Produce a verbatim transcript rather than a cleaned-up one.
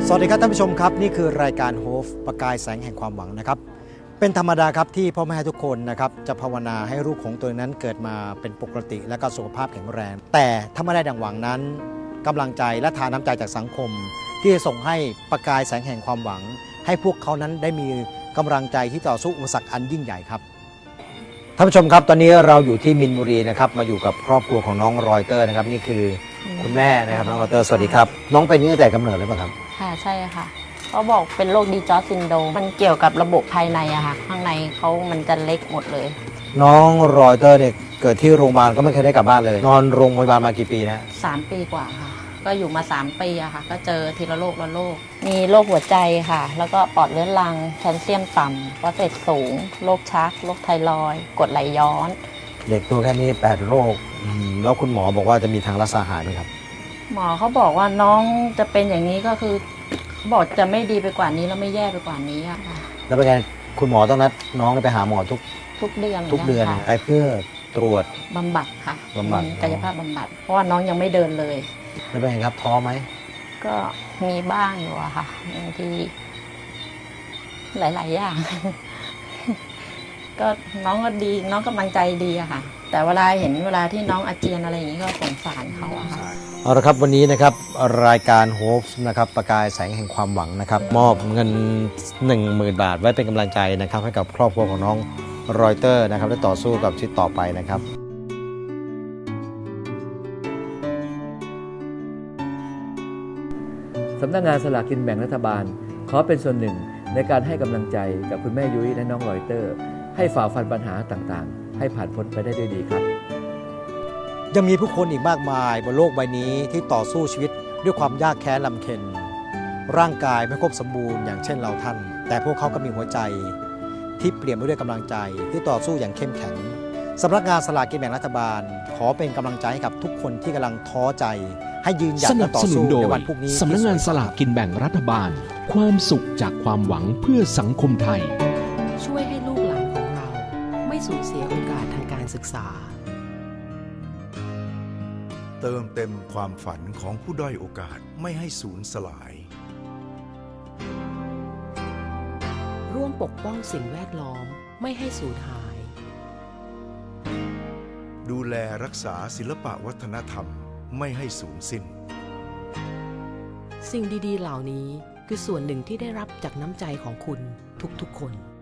สวัสดีครับท่านผู้ชมครับนี่คือรายการโฮฟประกายแสงแห่งความหวังนะครับเป็นธรรมดาครับที่พ่อแม่ทุกคนนะครับจะภาวนาให้ลูกของตัวนั้นเกิดมาเป็นปกติและก็สุขภาพแข็งแรงแต่ถ้าไม่ได้ดังหวังนั้นกำลังใจและทานน้ำใจจากสังคมที่จะส่งให้ประกายแสงแห่งความหวังให้พวกเขานั้นได้มีกำลังใจที่ต่อสู้อุปสรรคอันยิ่งใหญ่ครับท่านผู้ชมครับตอนนี้เราอยู่ที่มินบุรีนะครับมาอยู่กับครอบครัวของน้องรอยเตอร์นะครับนี่คือคุณแม่นะครับน้องรอยเตอร์สวัสดีครับน้องเป็นนี่ตั้งแต่กำเนิดเลยป่ะครับค่ะใช่ค่ะเขาบอกเป็นโรคดีจอร์จซินโดรมมันเกี่ยวกับระบบภายในอะค่ะข้างในเขามันจะเล็กหมดเลยน้องรอยเตอร์เนี่ยเกิดที่โรงพยาบาลก็ไม่เคยได้กลับบ้านเลยนอนโรงพยาบาลมากี่ปีนะสามปีกว่าค่ะก็อยู่มาสามปีอะค่ะก็เจอทีละโรคละโรคมีโรคหัวใจค่ะแล้วก็ปอดเรื้อรังแคลเซียมต่ำฟอสเฟตสูงโรคชักโรคไทรอยด์กรดไหลย้อนเด็กตัวแค่นี้แปดโรคแล้วคุณหมอบอกว่าจะมีทางรักษาหายไหมครับหมอเขาบอกว่าน้องจะเป็นอย่างนี้ก็คือบอกจะไม่ดีไปกว่านี้แล้วไม่แย่ไปกว่านี้อะค่ะแล้วเป็นไงคุณหมอต้องนัดน้องไปหาหมอทุกทุกเดือนทุกเดือนไปเพื่อตรวจบำบัดค่ะบำบัดกายภาพบำบัดเพราะว่าน้องยังไม่เดินเลยแล้วเป็นไงครับท้อไหมก็มีบ้างอยู่อะค่ะบางทีหลายๆอย่างก็น้องก็ดีน้องกำลังใจดีอะค่ะแต่เวลาเห็นเวลาที่น้องอาเจียนอะไรอย่างนี้ก็สงสารเขาอะค่ะเอาละครับวันนี้นะครับรายการโฮปนะครับประกายแสงแห่งความหวังนะครับมอบเงิน หนึ่งหมื่น บาทไว้เป็นกำลังใจนะครับให้กับครอบครัวของน้องรอยเตอร์นะครับได้ต่อสู้กับชีวิตต่อไปนะครับสำนักงานสลากกินแบ่งรัฐบาลขอเป็นส่วนหนึ่งในการให้กำลังใจกับคุณแม่ยุ้ยและน้องรอยเตอร์ให้ฝ่าฟันปัญหาต่างๆให้ผ่านพ้นไปได้ด้วยดีครับยังมีผู้คนอีกมากมายบนโลกใบนี้ที่ต่อสู้ชีวิตด้วยความยากแค้นลำเค็ญร่างกายไม่ครบสมบูรณ์อย่างเช่นเราท่านแต่พวกเขาก็มีหัวใจที่เปลี่ยนไปด้วยกำลังใจที่ต่อสู้อย่างเข้มแข็งสำนักงานสลากกินแบ่งรัฐบาลขอเป็นกำลังใจให้กับทุกคนที่กำลังท้อใจให้ยืนหยัดและต่อสู้ในวันพรุ่งนี้สำนักงานสลากกินแบ่งรัฐบาลความสุขจากความหวังเพื่อสังคมไทยช่วยให้ลูกหลานของเราไม่สูญเสียโอกาสทางการศึกษาเติมเต็มความฝันของผู้ด้อยโอกาสไม่ให้สูญสลายร่วมปกป้องสิ่งแวดล้อมไม่ให้สูญหายดูแลรักษาศิลปวัฒนธรรมไม่ให้สูญสิ้นสิ่งดีๆเหล่านี้คือส่วนหนึ่งที่ได้รับจากน้ำใจของคุณทุกๆคน